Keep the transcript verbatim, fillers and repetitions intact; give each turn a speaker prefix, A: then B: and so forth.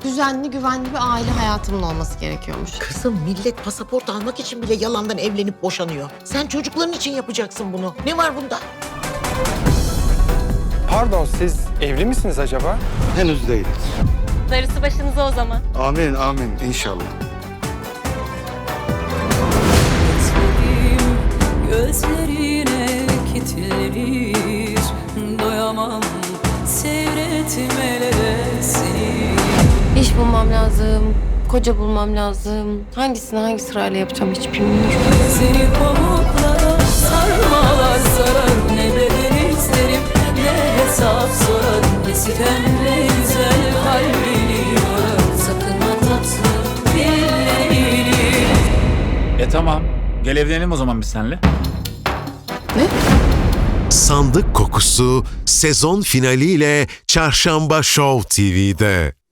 A: düzenli, güvenli bir aile hayatımın olması gerekiyormuş.
B: Kızım millet pasaport almak için bile yalandan evlenip boşanıyor. Sen çocukların için yapacaksın bunu. Ne var bunda?
C: Pardon, siz evli misiniz acaba?
D: Henüz değiliz.
E: Darısı başınıza o zaman.
D: Amin, amin inşallah.
F: Gözlerine kilitlenir, doyamam seyretmelere seni.
A: İş bulmam lazım, koca bulmam lazım. Hangisini hangi sırayla yapacağım hiç bilmiyorum.
F: Seni pamuklara sarmalar sarar, ne bedel isterim ne hesap sorar. Ne sitem ne güzel kalbini yorar, sakınma tatlı dillerini.
G: E tamam. Gel evlenelim o zaman biz seninle.
H: Sandık Kokusu sezon finaliyle Çarşamba Show T V'de.